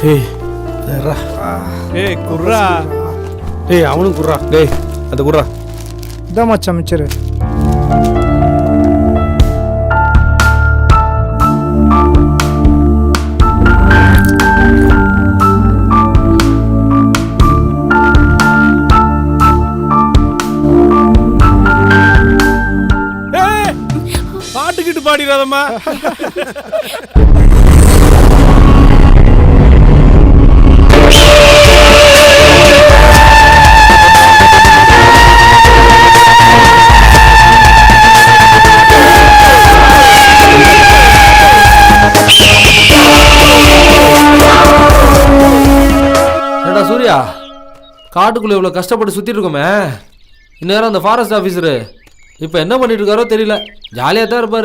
டேய் அதரா ஏய் குர்ரா. டேய் அவனும் குர்ரா. டேய் அது குர்ரா. இதான் மச்சான் மிச்சரு. பாட்டுக்கிட்டு பாடிடாதம்மா. ஏடா சூர்யா, காட்டுக்குள்ளே இவ்வளோ கஷ்டப்பட்டு சுற்றிட்டு இருக்கோமே, இந்நேரம் அந்த ஃபாரஸ்ட் ஆஃபீஸரு இப்போ என்ன பண்ணிட்டு இருக்காரோ தெரியல. ஜாலியாக தான் இருப்பார்.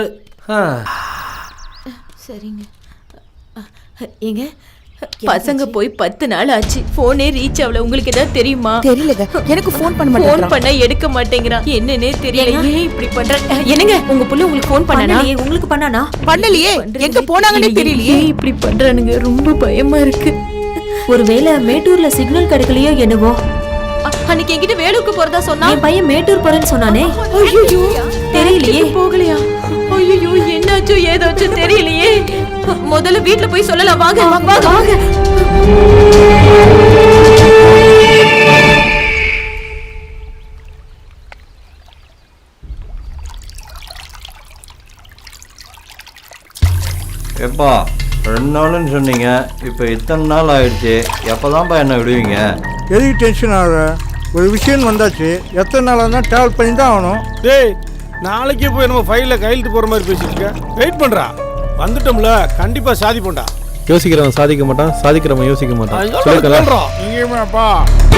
சரிங்க. ஏங்க பசங்க போய் 10 நாள் ஆச்சு. போனே ரீச் ஆகல. உங்களுக்கு ஏதாவது தெரியுமா? தெரியலங்க, எனக்கு ஃபோன் பண்ண மாட்டேன். ஃபோன் பண்ணா எடுக்க மாட்டேங்கிறான். என்னன்னே தெரியல. ஏன் இப்படி பண்றாங்க? என்னங்க உங்க புள்ள உங்களுக்கு ஃபோன் பண்ணானா? உங்களுக்கு பண்ணானா? பண்ணலையே. எங்க போனாங்கன்னே தெரியலையே. ஏன் இப்படி பண்றானுங்க? ரொம்ப பயமா இருக்கு. ஒருவேளை மேட்டூர்ல சிக்னல் கிடைக்கலையோ என்னவோ. அன்னைக்கு என்கிட்ட வேலூருக்கு போறதா சொன்னா. என் பையன் மேட்டூர் போறேன்னு சொன்னானே. ஐயோ தெரியலையே. போகலையா? ஐயோ என்னாச்சோ ஏதாச்சோ தெரியலையே. முதல்ல வீட்டுல போய் சொல்லலாம். வாங்க வாங்க வாங்க. எப்பா 2 நாள்னு சொன்னீங்க, இப்போ இத்தனை நாள் ஆயிடுச்சு. எப்போதான்ப்பா என்ன விடுவீங்க? எதுக்கு டென்ஷன் ஆகுற? ஒரு விஷயம் வந்தாச்சு. எத்தனை நாளாக தான் ட்ராவல் பண்ணி தான் ஆகணும். டேய் நாளைக்கே போய் நம்ம ஃபைலில் கையெழுத்து போகிற மாதிரி பேசிட்டு இருக்க. வெயிட் பண்ணுறா. வந்துட்டோம்ல, கண்டிப்பாக சாதிப்போம்டா. யோசிக்கிறவன் சாதிக்க மாட்டான், சாதிக்கிறவன் யோசிக்க மாட்டான். சொல்றோம் இங்கேயுமேப்பா.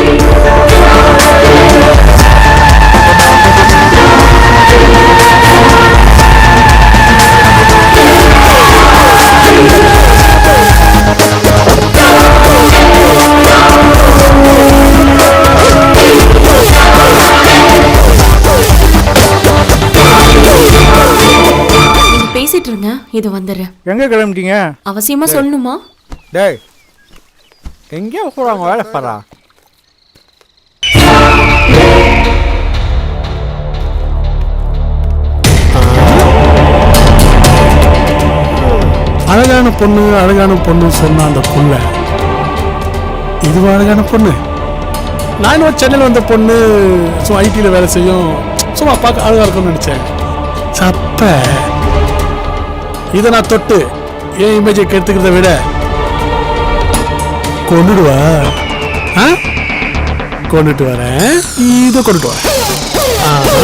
பேசிட்டு இருங்க. இது வந்துடுறேன். எங்க கிளம்பிட்டீங்க? அவசியமா சொல்லணுமா? டேய் எங்கே போகிறாங்க? வேலை பாரா. அழகான பொண்ணு அழகான பொண்ணு சொன்ன அந்த புள்ள இதுவா அழகான பொண்ணு? நான் சென்னையில் வந்த பொண்ணு சும்மா ஐடியில் வேலை செய்யும், சும்மா பார்க்க அழகா இருக்கும்னு நினைச்சேன். சப்ப இதை நான் தொட்டு என் இமேஜை கெடுத்துக்கிறத விட கொண்டுடுவா. கொண்டுட்டு வரேன், இதை கொண்டுட்டு வரேன்.